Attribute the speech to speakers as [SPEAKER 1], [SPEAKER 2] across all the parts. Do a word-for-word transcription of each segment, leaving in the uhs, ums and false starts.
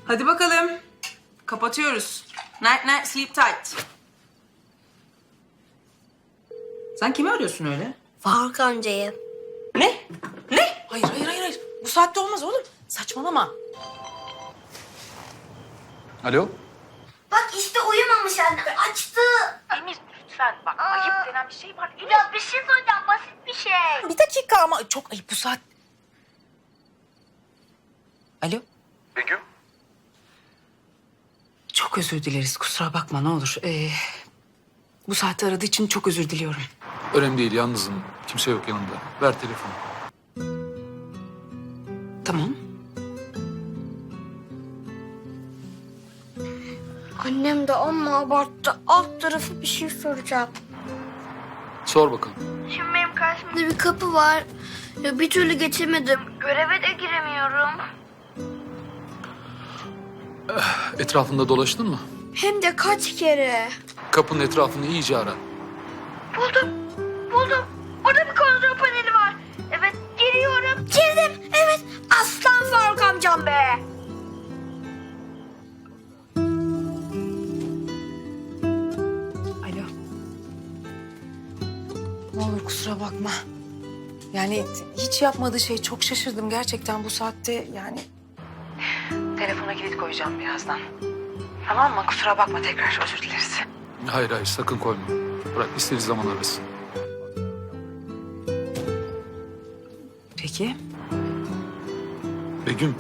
[SPEAKER 1] Hadi bakalım. Kapatıyoruz. Night night, sleep tight. Sen kimi arıyorsun öyle?
[SPEAKER 2] Faruk amcayı.
[SPEAKER 1] Ne? Ne? Hayır, hayır, hayır, hayır. Bu saatte olmaz oğlum. Saçmalama.
[SPEAKER 3] Alo?
[SPEAKER 2] Bak işte uyumamış anne. Açtı.
[SPEAKER 1] Emir lütfen bak. Ayıp denen bir şey var. Emir.
[SPEAKER 2] Ya bir şey söyleyeceğim. Basit bir şey.
[SPEAKER 1] Bir dakika ama çok ayıp bu saat. Alo?
[SPEAKER 3] Begüm?
[SPEAKER 1] Çok özür dileriz. Kusura bakma ne olur. Ee, bu saatte aradığı için çok özür diliyorum.
[SPEAKER 3] Önemli değil, yalnızım. Kimse yok yanımda. Ver telefonu.
[SPEAKER 1] Tamam.
[SPEAKER 2] Annem de amma abarttı. Alt tarafı bir şey soracağım.
[SPEAKER 3] Sor bakalım.
[SPEAKER 2] Şimdi benim karşımda bir kapı var. Ya bir türlü geçemedim. Göreve de giremiyorum.
[SPEAKER 3] Etrafında dolaştın mı?
[SPEAKER 2] Hem de kaç kere.
[SPEAKER 3] Kapının etrafını iyice ara.
[SPEAKER 2] Buldum. Buldum. Orada bir kontrol paneli var. Evet giriyorum. Girdim. Evet. Aslan Faruk amcam be.
[SPEAKER 1] Alo. Ne olur kusura bakma. Yani hiç yapmadığı şey, çok şaşırdım gerçekten bu saatte yani. Telefona kilit koyacağım birazdan. Tamam mı? Kusura bakma, tekrar özür dileriz.
[SPEAKER 3] Hayır hayır, sakın koyma. Bırak, istediği zaman arasın.
[SPEAKER 1] Peki.
[SPEAKER 3] Begüm.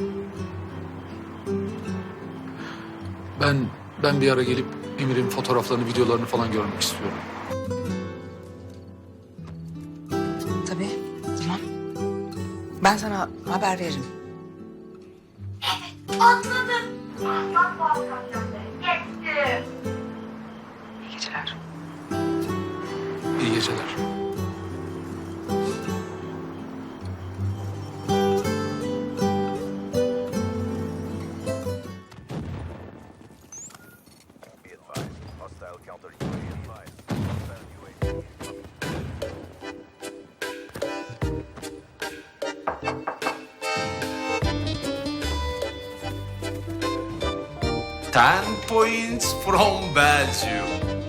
[SPEAKER 3] Ben, ben bir ara gelip Emir'in fotoğraflarını, videolarını falan görmek istiyorum.
[SPEAKER 1] Tabii. Tamam. Ben sana haber veririm.
[SPEAKER 2] Atladım. Aslan Faruk amcam be. Geçti.
[SPEAKER 1] İyi geceler.
[SPEAKER 3] İyi geceler.
[SPEAKER 4] Ten points from Belgium.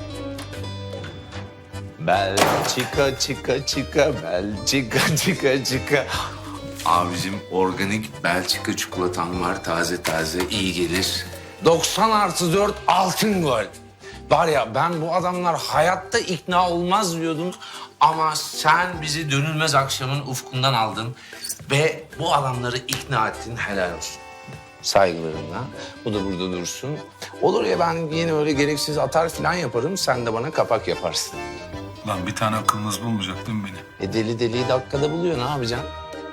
[SPEAKER 4] Belçika, çıka, çıka, Belçika, çıka, çıka. Abicim organik Belçika çikolatan var. Taze taze, iyi gelir. doksan artı dört altın gol. Var ya ben bu adamlar hayatta ikna olmaz diyordum. Ama sen bizi dönülmez akşamın ufkundan aldın. Ve bu adamları ikna ettin, helal olsun. Saygılarımla. Bu da burada dursun. Olur ya ben yine öyle gereksiz atar falan yaparım. Sen de bana kapak yaparsın.
[SPEAKER 3] Lan bir tane akılınız bulmayacak değil mi beni?
[SPEAKER 4] E deli deliyi dakikada buluyor. Ne yapacaksın?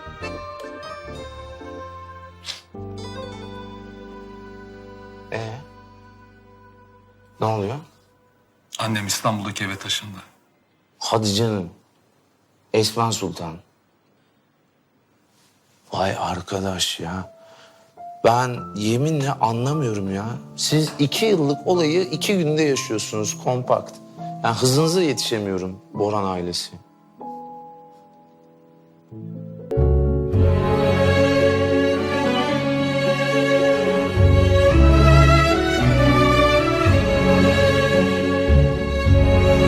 [SPEAKER 4] Ee? Ne oluyor?
[SPEAKER 3] Annem İstanbul'daki eve taşındı.
[SPEAKER 4] Hadi canım. Esma Sultan. Vay arkadaş ya. Ben yeminle anlamıyorum ya. Siz iki yıllık olayı iki günde yaşıyorsunuz kompakt. Yani hızınıza yetişemiyorum Boran ailesi.